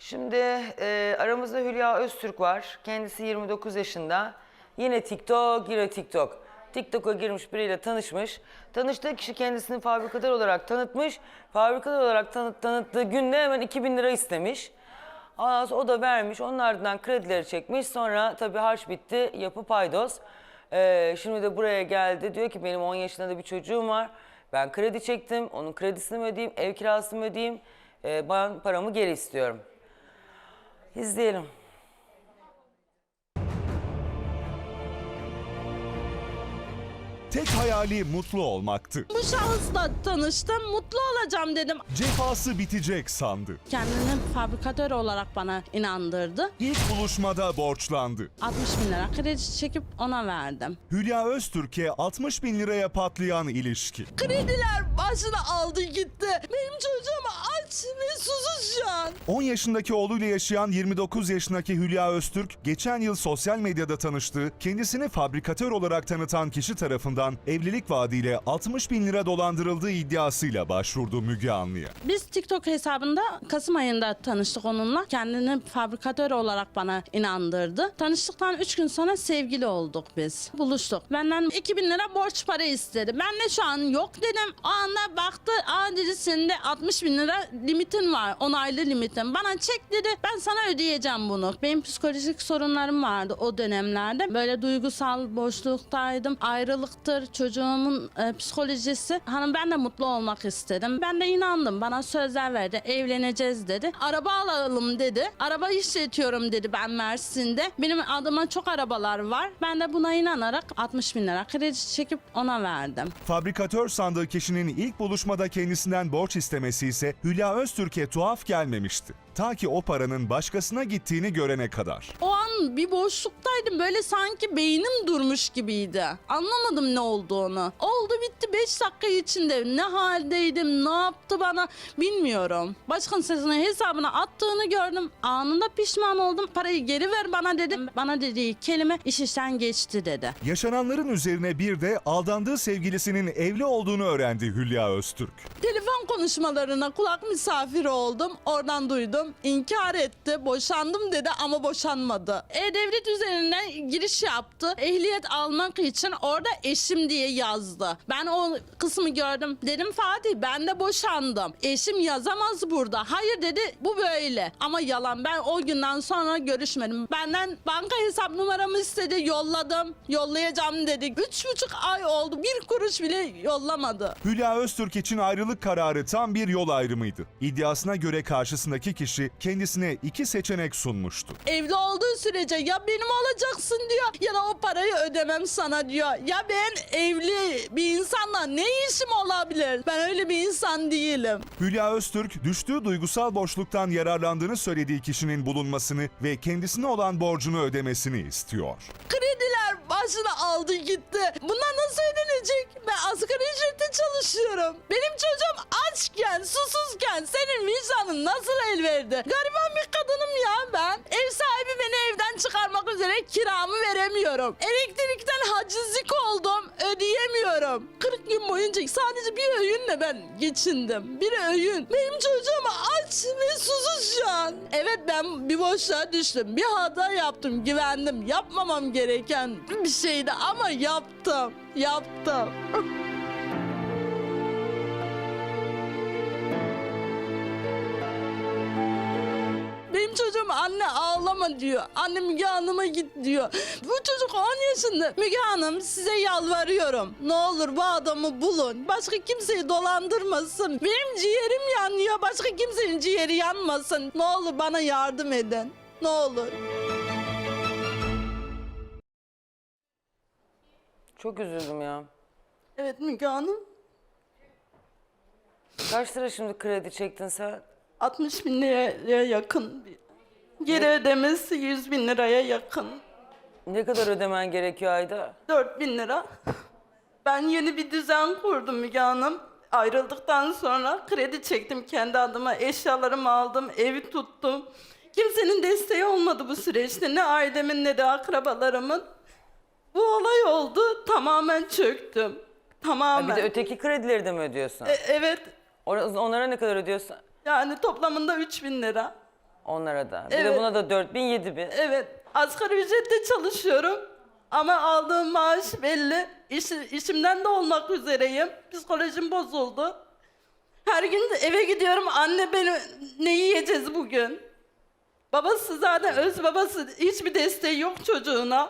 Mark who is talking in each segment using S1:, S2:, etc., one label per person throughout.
S1: Şimdi aramızda Hülya Öztürk var. Kendisi 29 yaşında. Yine TikTok. TikTok'a girmiş biriyle tanışmış. Tanıştığı kişi kendisini fabrikatör olarak tanıtmış. Fabrikatör olarak tanıttığı günde hemen 2000 lira istemiş. Ondan sonra o da vermiş. Onun ardından kredileri çekmiş. Sonra tabii harç bitti. Yapı paydos. Şimdi de buraya geldi. Diyor ki benim 10 yaşında da bir çocuğum var. Ben kredi çektim. Onun kredisini mi ödeyeyim, ev kirasını mı ödeyeyim? Ben paramı geri istiyorum. İzleyelim.
S2: Tek hayali mutlu olmaktı.
S3: Bu şahısla tanıştım, mutlu olacağım dedim.
S2: Cefası bitecek sandı.
S3: Kendini fabrikatör olarak bana inandırdı.
S2: İlk buluşmada borçlandı.
S3: 60 bin lira kredi çekip ona verdim.
S2: Hülya Öztürk'e 60 bin liraya patlayan ilişki.
S3: Krediler başını aldı gitti. Benim çocuğum aç ve susuz şu an.
S2: 10 yaşındaki oğluyla yaşayan 29 yaşındaki Hülya Öztürk, geçen yıl sosyal medyada tanıştığı, kendisini fabrikatör olarak tanıtan kişi tarafından evlilik vaadiyle 60 bin lira dolandırıldığı iddiasıyla başvurdu Müge Anlı'ya.
S3: Biz TikTok hesabında Kasım ayında tanıştık onunla. Kendini fabrikatör olarak bana inandırdı. Tanıştıktan 3 gün sonra sevgili olduk biz. Buluştuk. Benden 2 bin lira borç para istedi. Ben de şu an yok dedim. O anda baktı. Dedi senin de 60 bin lira limitin var. Onaylı limitin. Bana çek dedi. Ben sana ödeyeceğim bunu. Benim psikolojik sorunlarım vardı o dönemlerde. Böyle duygusal boşluktaydım. Ayrılıktır. Çocuğumun psikolojisi. Hanım ben de mutlu olmak istedim. Ben de inandım. Bana sözler verdi. Evleneceğiz dedi. Araba alalım dedi. Araba işletiyorum dedi ben Mersin'de. Benim adıma çok arabalar var. Ben de buna inanarak 60 bin lira kredi çekip ona verdim.
S2: Fabrikatör sandığı kişinin ilk buluşmada kendisinden borç istemesi ise Hülya Öztürk'e tuhaf gelmemişti. Ta ki o paranın başkasına gittiğini görene kadar.
S3: O an bir boşluktaydım. Böyle sanki beynim durmuş gibiydi. Anlamadım ne olduğunu. Oldu bitti 5 dakika içinde. Ne haldeydim, ne yaptı bana bilmiyorum. Başkanın sesine hesabına attığını gördüm. Anında pişman oldum. Parayı geri ver bana dedim. Bana dediği kelime iş işten geçti dedi.
S2: Yaşananların üzerine bir de aldandığı sevgilisinin evli olduğunu öğrendi Hülya Öztürk.
S3: Telefon konuşmalarına kulak misafiri oldum. Oradan duydum. İnkar etti. Boşandım dedi ama boşanmadı. E-Devlet üzerinden giriş yaptı. Ehliyet almak için orada eşim diye yazdı. Ben o kısmı gördüm. Dedim Fatih ben de boşandım. Eşim yazamaz burada. Hayır dedi bu böyle. Ama yalan. Ben o günden sonra görüşmedim. Benden banka hesap numaramı istedi. Yolladım. Yollayacağım dedi. 3,5 ay oldu. Bir kuruş bile yollamadı.
S2: Hülya Öztürk için ayrılık kararı tam bir yol ayrımıydı. İddiasına göre karşısındaki kişi kendisine 2 seçenek sunmuştu.
S3: Evli olduğu sürece ya benim olacaksın diyor ya da o parayı ödemem sana diyor. Ya ben evli bir insanla ne işim olabilir? Ben öyle bir insan değilim.
S2: Hülya Öztürk düştüğü duygusal boşluktan yararlandığını söylediği kişinin bulunmasını ve kendisine olan borcunu ödemesini istiyor.
S3: Krediler başını aldı gitti. Bunlar nasıl ödenecek? Ben asgari ücretle çalışıyorum. Benim çocuğum açken, susuzken senin vicdanın nasıl el verdi? Gariban bir kadınım ya ben. Ev sahibi beni evden çıkarmak üzere kiramı veremiyorum. Elektrikten hacizlik oldum. Ödeyemiyorum. 40 gün boyunca sadece bir öğünle ben geçindim. Bir öğün. Benim çocuğum aç ve susuz şu an. Evet ben bir boşluğa düştüm. Bir hata yaptım. Güvendim. Yapmamam gereken bir şeydi ama yaptım. Yaptım. Benim çocuğum anne ağlama diyor. Anne Müge Hanım'a git diyor. Bu çocuk 10 yaşında. Müge Hanım size yalvarıyorum. Ne olur bu adamı bulun. Başka kimseyi dolandırmasın. Benim ciğerim yanıyor. Başka kimsenin ciğeri yanmasın. Ne olur bana yardım edin. Ne olur.
S1: Çok üzüldüm ya.
S3: Evet Müge Hanım.
S1: Kaç lira şimdi kredi çektin sen?
S3: 60 bin liraya yakın. Geri ödemesi 100 bin liraya yakın.
S1: Ne kadar ödemen gerekiyor ayda?
S3: 4 bin lira. Ben yeni bir düzen kurdum Müge Hanım. Ayrıldıktan sonra kredi çektim kendi adıma. Eşyalarımı aldım, evi tuttum. Kimsenin desteği olmadı bu süreçte. Ne ailemin ne de akrabalarımın. Bu olay oldu. Tamamen çöktüm. Tamamen.
S1: Bir de öteki kredileri de mi ödüyorsun?
S3: Evet.
S1: Onlara ne kadar ödüyorsun?
S3: Yani toplamında 3 bin lira.
S1: onlara da. Bir de
S4: Evet.
S1: buna da 4.000 7.000.
S4: Evet, asgari ücretle çalışıyorum. Ama aldığım maaş belli. İşimden de olmak üzereyim. Psikolojim bozuldu. Her gün de eve gidiyorum. Anne ne yiyeceğiz bugün? Babası zaten öz babası. Hiçbir desteği yok çocuğuna.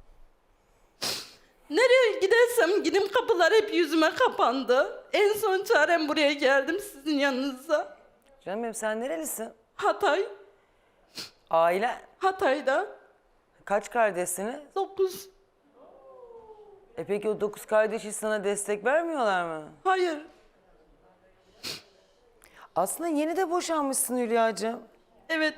S4: Nereye gidersem gideyim kapılar hep yüzüme kapandı. En son çarem buraya geldim sizin yanınıza.
S1: Canım benim, sen nerelisin?
S4: Hatay.
S1: Aile
S4: Hatay'da.
S1: kaç kardeşsiniz?
S4: 9.
S1: Peki o 9 kardeş hiç sana destek vermiyorlar mı?
S4: Hayır.
S1: Aslında yeni de boşanmışsın Hülya'cığım.
S4: Evet.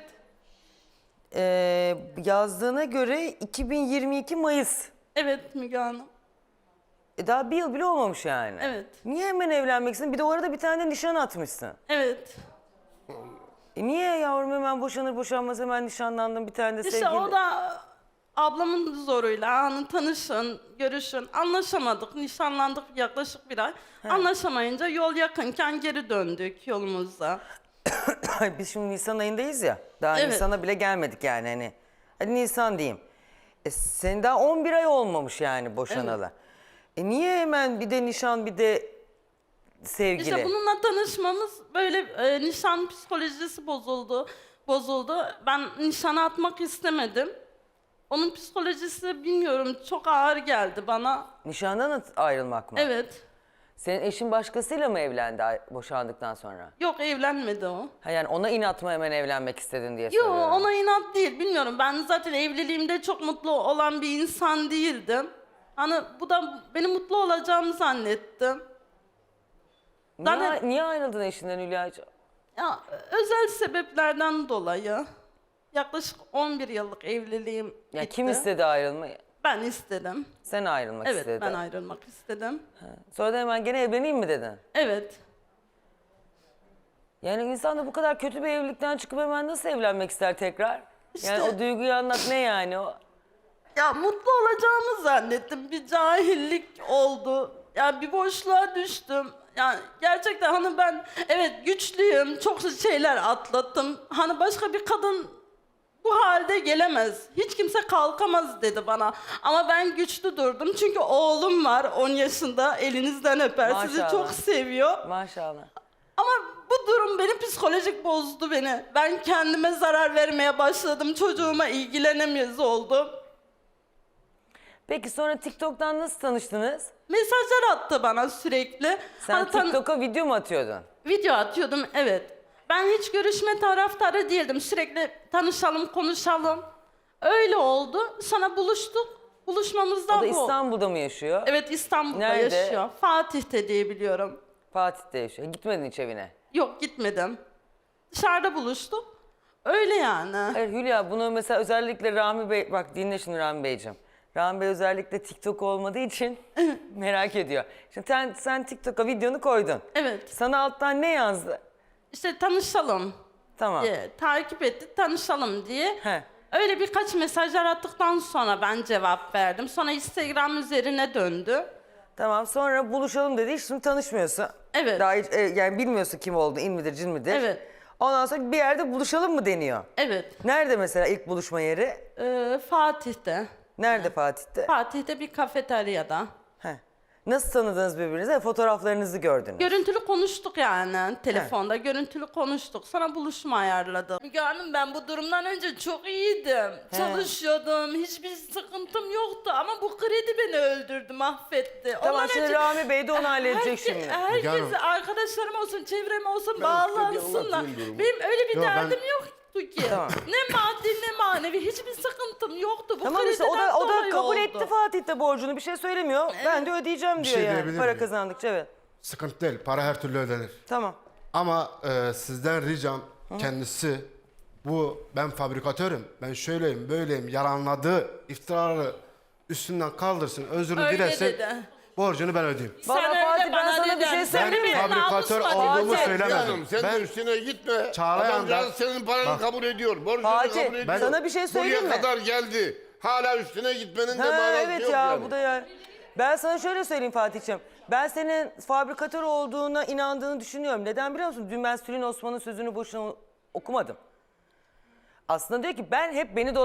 S1: Yazdığına göre 2022 Mayıs.
S4: Evet Müge Hanım.
S1: Daha bir yıl bile olmamış yani.
S4: Evet.
S1: Niye hemen evlenmek istedin? Bir de o arada bir tane de nişan atmışsın.
S4: Evet.
S1: Niye yavrum hemen boşanır boşanmaz hemen nişanlandın bir tane de
S4: İşte
S1: sevgili?
S4: o da ablamın zoruyla hani tanışın, görüşün. Anlaşamadık, nişanlandık yaklaşık bir ay. Anlaşamayınca yol yakınken geri döndük yolumuza.
S1: Ay, biz şimdi Nisan ayındayız ya. Daha
S4: Evet.
S1: Nisan'a bile gelmedik yani hani. Hadi Nisan diyeyim. Senin daha 11 ay olmamış yani boşanalı. Niye hemen bir de nişan bir de sevgili?
S4: İşte bununla tanışmamız böyle nişan psikolojisi bozuldu. Ben nişana atmak istemedim. Onun psikolojisi bilmiyorum çok ağır geldi bana.
S1: Nişandan ayrılmak mı?
S4: Evet.
S1: Senin eşin başkasıyla mı evlendi boşandıktan sonra?
S4: Yok evlenmedi o.
S1: Ha yani ona inat mı hemen evlenmek istedin diye
S4: Yok
S1: soruyorum.
S4: ona inat değil bilmiyorum. Ben zaten evliliğimde çok mutlu olan bir insan değildim. Hani bu da benim mutlu olacağımı zannettim. zaten-
S1: Niye ayrıldın eşinden Hülya'cığım?
S4: Ya özel sebeplerden dolayı yaklaşık 11 yıllık evliliğim
S1: Ya
S4: bitti.
S1: kim istedi ayrılmayı?
S4: Ben istedim.
S1: Sen ayrılmak
S4: Evet
S1: istedin.
S4: ben ayrılmak istedim.
S1: Sonra da hemen gene evleneyim mi dedin?
S4: Evet.
S1: Yani insan da bu kadar kötü bir evlilikten çıkıp hemen nasıl evlenmek ister tekrar? Yani
S4: İşte-
S1: o duyguyu anlat, ne yani o?
S4: Ya mutlu olacağımı zannettim. Bir cahillik oldu. Ya bir boşluğa düştüm. Yani gerçekten hani ben evet güçlüyüm. Çok şeyler atlattım. Hani başka bir kadın bu halde gelemez. Hiç kimse kalkamaz dedi bana. Ama ben güçlü durdum. Çünkü oğlum var 10 yaşında. Elinizden öper. Sizi
S1: Maşallah.
S4: çok seviyor.
S1: Maşallah.
S4: Ama bu durum beni psikolojik bozdu beni. Ben kendime zarar vermeye başladım. Çocuğuma ilgilenemez oldum.
S1: Peki sonra TikTok'tan nasıl tanıştınız?
S4: Mesajlar attı bana sürekli.
S1: Sen
S4: Hani
S1: TikTok'a video mu atıyordun?
S4: video atıyordum evet. Ben hiç görüşme taraftarı değildim. Sürekli tanışalım, konuşalım. Öyle oldu. Sonra buluştuk. Buluşmamızda
S1: O da
S4: bu.
S1: İstanbul'da mı yaşıyor?
S4: Evet İstanbul'da
S1: Nerede?
S4: yaşıyor. Fatih'te diye biliyorum.
S1: Fatih'te yaşıyor. Gitmedin hiç evine.
S4: Yok gitmedim. Dışarıda buluştuk. Öyle yani.
S1: Hayır Hülya, bunu mesela özellikle Rahmi Bey, bak dinle şimdi Rahmi Beyciğim. Rahmi Bey özellikle TikTok olmadığı için merak ediyor. Şimdi sen TikTok'a videonu koydun.
S4: Evet.
S1: Sana alttan ne yazdı?
S4: İşte tanışalım
S1: Tamam.
S4: diye. Takip etti, tanışalım diye.
S1: He.
S4: Öyle birkaç mesajlar attıktan sonra ben cevap verdim. Sonra Instagram üzerine döndü.
S1: Tamam, sonra buluşalım dedi. Hiç şimdi tanışmıyorsun.
S4: Evet.
S1: Daha hiç, yani bilmiyorsun kim olduğunu, in midir cin midir.
S4: Evet.
S1: Ondan sonra bir yerde buluşalım mı deniyor.
S4: Evet.
S1: Nerede mesela ilk buluşma yeri?
S4: Fatih'te.
S1: Nerede Fatih'te?
S4: Fatih'te bir kafeteryada.
S1: Heh. Nasıl tanıdınız birbirinizi? Fotoğraflarınızı gördünüz.
S4: Görüntülü konuştuk yani telefonda. Görüntülü konuştuk. Sonra buluşma ayarladım. Müge Hanım ben bu durumdan önce çok iyiydim. Çalışıyordum. Hiçbir sıkıntım yoktu. Ama bu kredi beni öldürdü, mahvetti.
S1: Tamam,
S4: Ondan
S1: şimdi
S4: önce
S1: Rahmi Bey de onu halledecek şimdi.
S4: Herkes,
S5: Hanım.
S4: arkadaşlarım olsun, çevrem olsun
S5: size bir
S4: bağlansınlar.
S5: anlatayım durumu.
S4: Benim öyle bir
S5: Yo, ben-
S4: derdim yoktu ki.
S1: Tamam.
S4: Ne maddi ne manevi hiçbir sıkıntım yoktu. Bu
S1: Tamam işte o
S4: krediden
S1: da
S4: dolayı
S1: kabul
S4: oldu.
S1: etti Fatih'te borcunu, bir şey söylemiyor. Ben de ödeyeceğim diyor
S5: şey
S1: yani.
S5: diyebilir
S1: Para
S5: miyim?
S1: kazandıkça, evet.
S5: Sıkıntı değil. Para her türlü ödenir.
S1: Tamam.
S5: Ama sizden ricam kendisi bu ben fabrikatörüm, ben şöyleyim, böyleyim yalanladığı iftiraları üstünden kaldırsın, özrünü
S4: Öyle
S5: dilerse
S4: dedi.
S5: borcunu ben ödeyeyim.
S1: Vallahi
S4: Sen öyle
S1: Fatih, ben
S4: bana
S1: sana bir
S4: dedin.
S1: şey
S4: Sen
S1: söyleyeyim mi?
S4: benim
S5: Fabrikatör
S4: namusuma
S5: olduğumu
S4: dedin.
S5: söylemedim.
S6: Canım sen
S5: Ben-
S6: de üstüne gitme.
S5: Çağlayan'da-
S6: Adamcağız senin paranı
S5: Bak.
S6: kabul ediyor. Borcunu
S1: Fatih,
S6: kabul ediyor.
S1: ben sana bir şey söyleyeyim
S6: Buraya
S1: mi?
S6: kadar geldi. Hala üstüne gitmenin de
S1: Ha,
S6: manası
S1: evet
S6: yok
S1: ya
S6: yani.
S1: bu da yani. Ben sana şöyle söyleyeyim Fatih'ciğim. Ben senin fabrikatör olduğuna inandığını düşünüyorum. Neden biliyor musun? Dün ben Sülün Osman'ın sözünü boşuna okumadım. Aslında diyor ki ben hep beni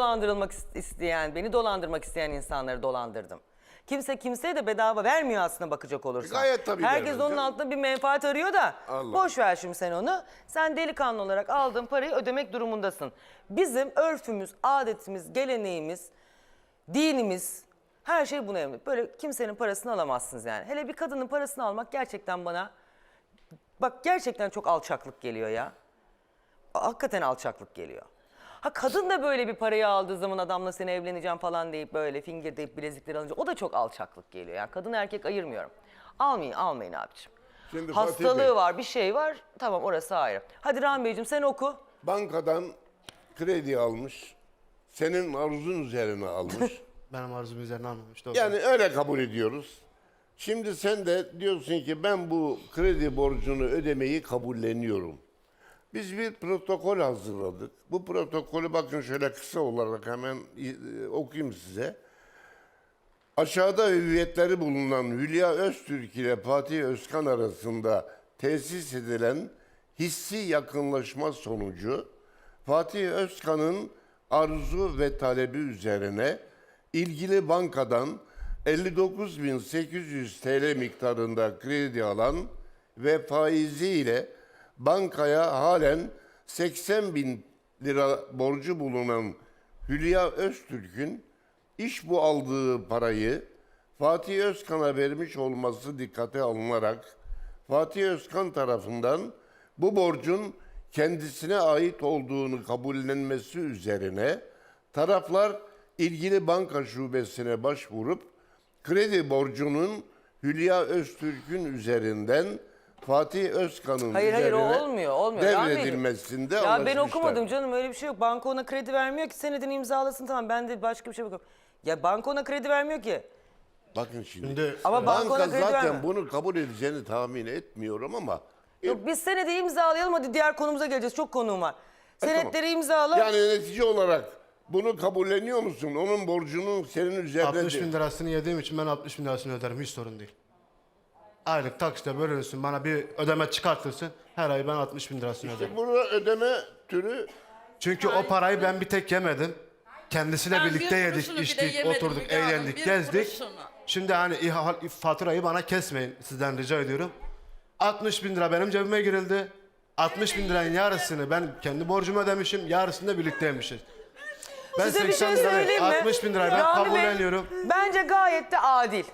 S1: dolandırmak isteyen insanları dolandırdım. Kimse kimseye de bedava vermiyor aslında bakacak olursan.
S6: Gayet tabii
S1: Herkes
S6: vermez
S1: onun
S6: canım.
S1: altında bir menfaat arıyor da
S6: Allah.
S1: boş ver şimdi sen onu. Sen delikanlı olarak aldığın parayı ödemek durumundasın. Bizim örfümüz, adetimiz, geleneğimiz, dinimiz her şey buna emri. Böyle kimsenin parasını alamazsınız yani. Hele bir kadının parasını almak gerçekten bana bak gerçekten çok alçaklık geliyor ya. Hakikaten alçaklık geliyor. Ha kadın da böyle bir parayı aldığı zaman adamla seni evleneceğim falan deyip böyle finger deyip bilezikleri alınca o da çok alçaklık geliyor. Yani kadın erkek ayırmıyorum. Almayın abiciğim.
S6: Şimdi Fatih
S1: Hastalığı
S6: Bey,
S1: var bir şey var tamam orası ayrı. Hadi Rahmi Beyciğim sen oku.
S6: bankadan kredi almış. Senin arzun üzerine almış.
S5: Benim arzum üzerine almamış. Doğru.
S6: Yani öyle kabul ediyoruz. Şimdi sen de diyorsun ki ben bu kredi borcunu ödemeyi kabulleniyorum. Biz bir protokol hazırladık. Bu protokolü bakın şöyle kısa olarak hemen okuyayım size. Aşağıda hüviyetleri bulunan Hülya Öztürk ile Fatih Özkan arasında tesis edilen hissi yakınlaşma sonucu Fatih Özkan'ın arzu ve talebi üzerine ilgili bankadan 59.800 TL miktarında kredi alan ve faiziyle bankaya halen 80.000 lira borcu bulunan Hülya Öztürk'ün iş bu aldığı parayı Fatih Özkan'a vermiş olması dikkate alınarak Fatih Özkan tarafından bu borcun kendisine ait olduğunu kabullenmesi üzerine taraflar ilgili banka şubesine başvurup kredi borcunun Hülya Öztürk'ün üzerinden Fatih Özkan'ın
S1: Hayır
S6: üzerine
S1: o olmuyor. Rahmi Beyciğim.
S6: devredilmesinde
S1: Ya ben
S6: anlaşmışlar.
S1: okumadım canım öyle bir şey yok. Banka ona kredi vermiyor ki senedini imzalasın tamam ben de başka bir şey bakıyorum. Ya banka ona kredi vermiyor ki.
S6: Bakın şimdi.
S5: Şimdi
S1: Ama banka
S6: Banka
S1: ona kredi
S6: zaten
S1: vermiyor.
S6: bunu kabul edeceğini tahmin etmiyorum ama
S1: Yok biz senedi imzalayalım hadi diğer konumuza geleceğiz. Çok konuğum var.
S6: tamam.
S1: Senetleri imzala.
S6: yani netice olarak bunu kabulleniyor musun? Onun borcunun senin üzerine
S5: 60.000 lirasını yediğim için ben 60.000 lirasını öderim. Hiç sorun değil. Aylık taksitle bölünsün. Bana bir ödeme çıkartırsın. Her ay ben 60.000 lirasını öderim.
S6: Burada ödeme türü
S5: Çünkü o parayı ben bir tek yemedim. Kendisiyle
S4: Ben
S5: birlikte
S4: bir
S5: yedik,
S4: kuruşunu bile
S5: içtik,
S4: yemedim
S5: oturduk,
S4: Müge Hanım,
S5: eğlendik,
S4: bir
S5: gezdik.
S4: kuruşunu.
S5: Şimdi hani faturayı bana kesmeyin. Sizden rica ediyorum. 60.000 lira benim cebime girildi. 60.000 liranın yarısını ben kendi borcumu ödemişim. Yarısını da birlikte yemişiz. Ben
S1: Size bir şey
S5: 80 lirayı,
S1: söyleyeyim mi?
S5: 60.000 lirayı ben
S1: Rahmi Bey,
S5: kabulleniyorum.
S1: Bence gayet de adil.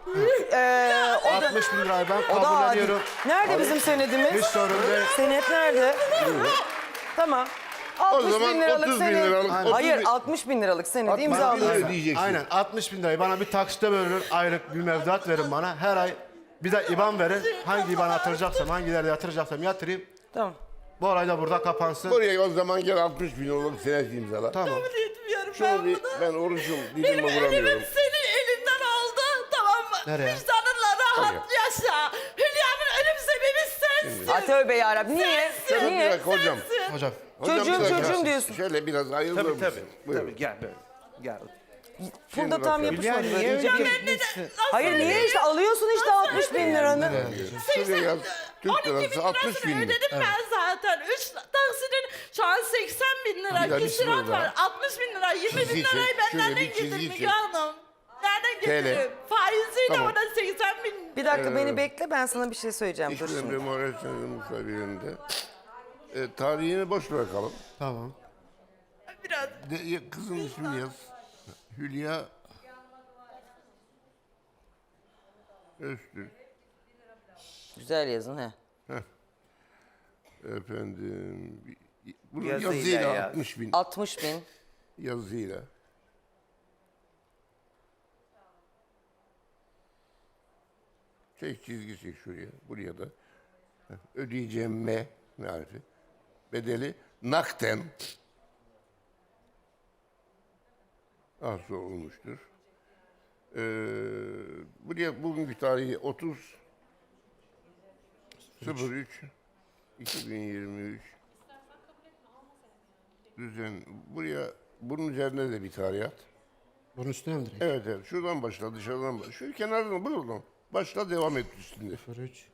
S5: 60.000 lirayı ben
S1: O da adil.
S5: kabulleniyorum.
S1: Nerede bizim senedimiz?
S5: Hiç sorun değil.
S1: Senet nerede? Tamam. 60
S6: zaman
S1: bin liralık
S6: 30 bin
S1: senet.
S6: liralık, 30
S1: Hayır
S6: bin-
S1: 60 bin liralık senedi
S6: 60 bin
S1: imzalıyorsun.
S6: lira ödeyeceksin.
S5: Aynen 60.000 lirayı bana bir taksitle bölünür. Aylık bir mevduat verin bana. Her ay bir de IBAN verin. Hangi IBAN'a yatıracaksam, hangi yerde yatıracaksam yatırayım.
S1: Tamam.
S5: Bu olay da burada kapansın.
S6: Buraya o zaman gel 60 bin liralık senet imzala.
S5: Tamam.
S4: Etmiyorum
S6: Şunu
S4: ben
S6: bir,
S4: bunu.
S6: ben orucum, dilimi
S4: Benim
S6: vuramıyorum.
S4: elimim senin elinden aldı. Tamam mı?
S5: Nereye?
S4: Vicdanınla rahat yaşa. Hülya'nın ölüm sebebi sensin.
S1: Ha tövbe yarabbim. Niye?
S6: Bir
S1: Niye?
S6: dakika hocam.
S5: Hocam.
S6: Hocam,
S1: Çocuğum,
S6: bir dakika.
S1: çocuğum diyorsun.
S6: Şöyle biraz ayrılır
S7: Tabii
S6: mısın?
S7: tabii.
S6: Buyurun.
S7: Tabii gel böyle. Gel.
S1: Burada tam
S6: bakıyorum.
S1: yapışmadı.
S7: Yani
S1: böyle
S7: niye
S1: ince
S7: öyle
S1: bir-
S7: gitmişsin?
S1: Hayır niye işte alıyorsun işte 60 bin liranı.
S6: Şuraya yaz. Türk
S4: 12 bin
S6: lirası 60 bin lira.
S4: ödedim ben zaten. 3 taksinin şu an 80 bin lira
S6: Bir dakika,
S4: kişirat
S6: bir
S4: var.
S6: dakika.
S4: 60 bin lira, 20 bin
S6: Çizgi
S4: lirayı
S6: çek,
S4: ben
S6: şöyle
S4: nereden
S6: bir çizgi
S4: getirdim
S6: çek.
S4: Müge Hanım? Nereden
S6: TL.
S4: getirdim? Faiziyle
S6: Tamam.
S4: ona 80 bin.
S1: Bir dakika beni bekle ben sana bir şey söyleyeceğim. Dur
S6: İşte
S1: şimdi.
S6: Memoriyasyonun muhtabirinde. Tarihini boş bırakalım.
S5: Tamam.
S4: Biraz
S6: Kızın ismini yaz. Hülya Öztürk.
S1: Güzel yazın he.
S6: Efendim. Bunu
S7: Yazıyla
S6: yazıyla
S7: yaz.
S6: 60 bin.
S1: 60 bin.
S6: Yazıyla. Çizgi çek şuraya. Buraya da. Ödeyeceğim ne harfi? Bedeli nakden arzu olmuştur. Buraya bugünkü tarihi 30.03.2023 düzen. Buraya bunun üzerine de bir tarih at.
S5: Bunun üstüne mi direkt?
S6: Evet evet. Şuradan başla, dışarıdan başla. Şu kenardan buradan. Başla, devam et üstünde.
S5: 03.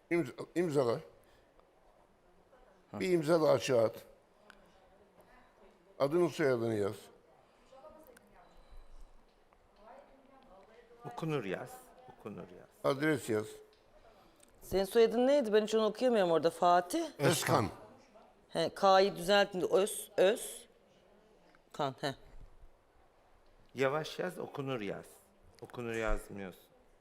S6: İmzala. Bir imza da aşağı at. Adını soyadını yaz.
S7: Okunur yaz. Okunur yaz.
S6: Adres yaz.
S1: Senin soyadın neydi? Ben hiç onu okuyamıyorum orada. Fatih.
S6: Özkan.
S1: He, K'yı düzelttin. Kan. He.
S7: Yavaş yaz, okunur yaz. Okunur yazmıyorsun.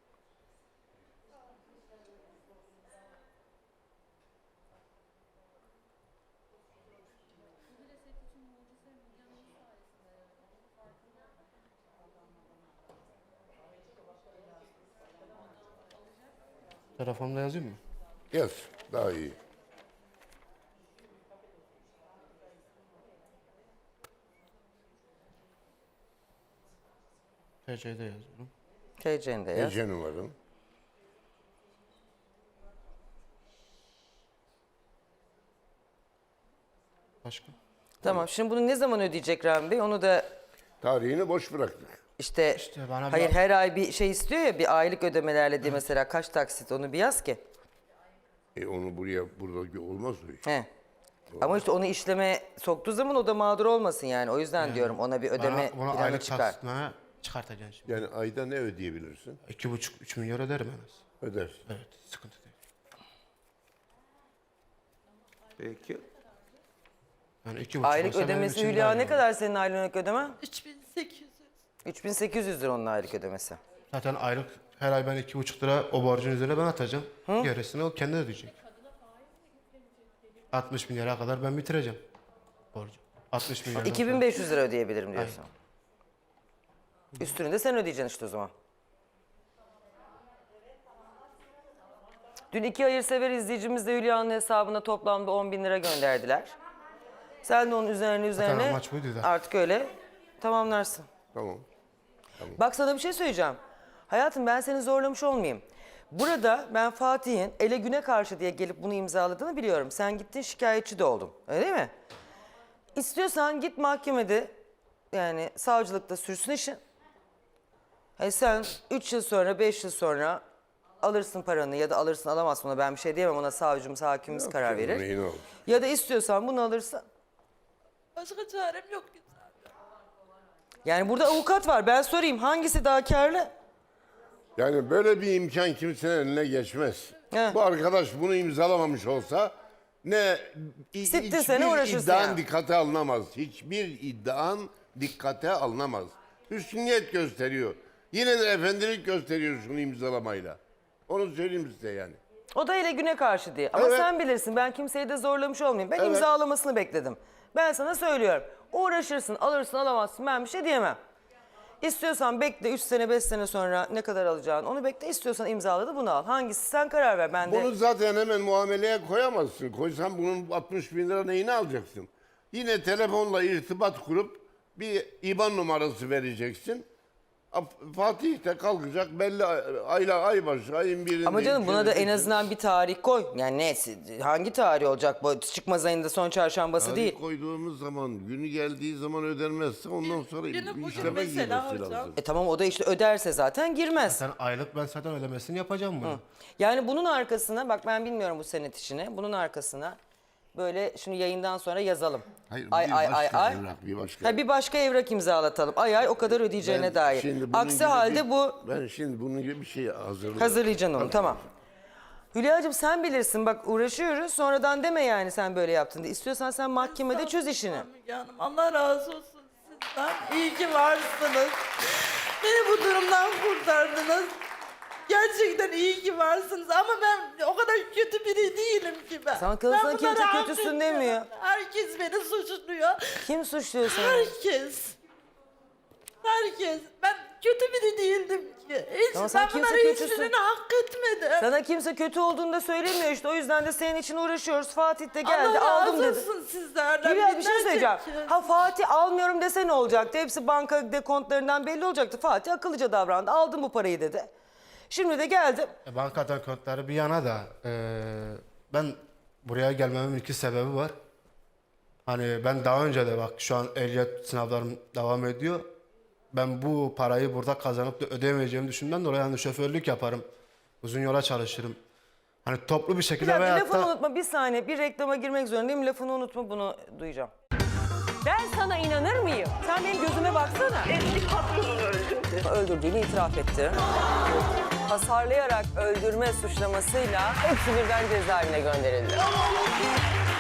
S5: Telefonda yazayım mı?
S6: Yaz. Daha iyi.
S5: TC'de yazıyorum.
S1: TC'nde yaz.
S6: Ece numaram.
S5: Başka?
S1: Tamam. Şimdi bunu ne zaman ödeyecek Rami Bey? Onu da
S6: Tarihini boş bıraktık.
S1: işte
S5: bana bir-
S1: hayır her ay bir şey istiyor ya, bir aylık ödemelerle diye mesela kaç taksit onu bir yaz ki.
S6: Onu burada olmaz o iş.
S1: He. Ama işte onu işleme soktuğu zaman o da mağdur olmasın yani. O yüzden diyorum ona bir ödeme
S5: Bana
S1: planı
S5: aylık
S1: çıkar.
S5: taksitmeye çıkartacaksın şimdi.
S6: Yani ayda ne ödeyebilirsin?
S5: 2,5-3 milyar öderim en az.
S6: Ödersin.
S5: Evet, sıkıntı değil.
S7: Peki.
S5: Yani 2,5
S1: Aylık
S5: olsa benim
S1: ödemesi
S5: için
S1: Hülya
S5: daha iyi
S1: ne
S5: olur.
S1: kadar senin aylık ödemen?
S4: 3800.
S1: 3800 lira onun aylık ödemesi.
S5: Zaten aylık her ay ben 2,5 lira o borcun üzerine ben atacağım. Gerisini o kendi ödeyecek. 60 milyara kadar ben bitireceğim borcu. 60 milyar.
S1: 2500 lira ödeyebilirim diyorsun. Üstünü de sen ödeyeceksin işte o zaman. Dün iki hayırsever izleyicimiz de Hülya'nın hesabına toplamda 10.000 lira gönderdiler. Sen de onun üzerine
S5: amaç buydu da.
S1: artık öyle tamamlarsın.
S6: Tamam.
S1: Bak sana bir şey söyleyeceğim. Hayatım ben seni zorlamış olmayayım. Burada ben Fatih'in ele güne karşı diye gelip bunu imzaladığını biliyorum. Sen gittin şikayetçi de oldun. Öyle değil mi? İstiyorsan git mahkemede yani savcılıkta sürsün işin. Sen 3 yıl sonra 5 yıl sonra alırsın paranı ya da alırsın alamazsın ona ben bir şey diyemem. Ona savcımız hakimimiz karar verir.
S6: Neyin olur?
S1: Ya da istiyorsan bunu alırsın.
S4: Başka çarem yok ki.
S1: Yani burada avukat var. Ben sorayım hangisi daha karlı?
S6: Yani böyle bir imkan kimsenin eline geçmez.
S1: He.
S6: Bu arkadaş bunu imzalamamış olsa
S1: Sittin sene
S6: hiçbir
S1: uğraşırsın
S6: iddian
S1: yani.
S6: dikkate alınamaz. Hiçbir iddian dikkate alınamaz. Hüsniyet gösteriyor. Yine de efendilik gösteriyor şunu imzalamayla. Onu söyleyeyim size yani.
S1: O da ele güne karşı diye. Ama
S6: Evet.
S1: sen bilirsin ben kimseyi de zorlamış olmayayım. Ben
S6: Evet.
S1: imzalamasını bekledim. Ben sana söylüyorum. Uğraşırsın alırsın alamazsın ben bir şey diyemem. İstiyorsan bekle 3 sene 5 sene sonra ne kadar alacağını onu bekle. İstiyorsan imzaladı bunu al. Hangisi sen karar ver. Ben de
S6: Bunu zaten hemen muameleye koyamazsın. Koysan bunun 60 bin lira neyini alacaksın? Yine telefonla irtibat kurup bir IBAN numarası vereceksin. Fatih de kalkacak belli ay başı ayın birinde.
S1: ama canım buna da en
S6: üçünde-
S1: azından bir tarih koy. Yani ne hangi tarih olacak bu çıkmaz ayında son çarşambası
S6: Tarih
S1: değil.
S6: koyduğumuz zaman günü geldiği zaman ödenmezse ondan sonra
S4: Yine bugün
S6: işleme
S4: mesela
S6: girmesi
S4: hocam.
S6: lazım.
S1: Tamam o da işte öderse zaten girmez.
S5: Sen aylık ben zaten ödemesini yapacağım bunu.
S1: Yani bunun arkasına bak ben bilmiyorum bu senet işini. Bunun arkasına böyle şimdi yayından sonra yazalım.
S6: Hayır,
S1: ay
S6: bir
S1: ay ay
S6: başka
S1: ay.
S6: evrak, bir başka
S1: Ha, bir başka evrak imzalatalım. Ay ay o kadar ödeyeceğine
S6: Ben
S1: dair.
S6: şimdi bunun
S1: Aksi
S6: gibi
S1: halde
S6: bir-
S1: bu
S6: Ben şimdi bunun gibi bir şey hazırlıyorum.
S1: hazırlayacaksın onu tamam. Hülya'cığım sen bilirsin bak uğraşıyoruz sonradan deme yani sen böyle yaptın diye. İstiyorsan sen mahkemede çöz işini.
S4: Müge Hanım, Allah razı olsun sizden. İyi ki varsınız. Beni bu durumdan kurtardınız. Gerçekten iyi ki varsınız ama ben o kadar kötü biri değilim ki ben.
S1: Sana kalırsa
S4: Ben
S1: kimse
S4: bunları
S1: kötüsün
S4: affetmem.
S1: demiyor.
S4: Herkes beni suçluyor.
S1: Kim suçluyor seni?
S4: Herkes. Herkes. Ben kötü biri değildim ki. Hiç,
S1: Ama sen
S4: ben
S1: kimse
S4: bunların
S1: kötüsün.
S4: hiçbirini hak etmedim.
S1: Sana kimse kötü olduğunu da söylemiyor işte. O yüzden de senin için uğraşıyoruz. Fatih de geldi
S4: Allah
S1: aldım
S4: razı
S1: dedi.
S4: olsun sizlerden.
S1: Hülya bir şey
S4: binlerce
S1: söyleyeceğim.
S4: kez.
S1: Ha Fatih almıyorum dese ne olacaktı? Hepsi banka dekontlarından belli olacaktı. Fatih akıllıca davrandı. Aldım bu parayı dedi. Şimdi de geldim.
S5: Bankadan kontları bir yana da ben buraya gelmemin iki sebebi var. Hani ben daha önce de bak şu an ehliyet sınavlarım devam ediyor. Ben bu parayı burada kazanıp da ödemeyeceğimi düşündüğümden dolayı hani şoförlük yaparım. Uzun yola çalışırım. Hani toplu bir
S1: Bir
S5: şekilde
S1: dakika
S5: veyahut
S1: lafını
S5: da
S1: unutma, bir saniye, bir reklama girmek zorundayım, lafını unutma, bunu duyacağım. Ben sana inanır mıyım? Sen benim gözüme baksana.
S8: Eski patronunu öldürdü.
S1: Öldürdüğünü itiraf etti. Hasarlayarak öldürme suçlamasıyla hepsi birden cezaevine gönderildi.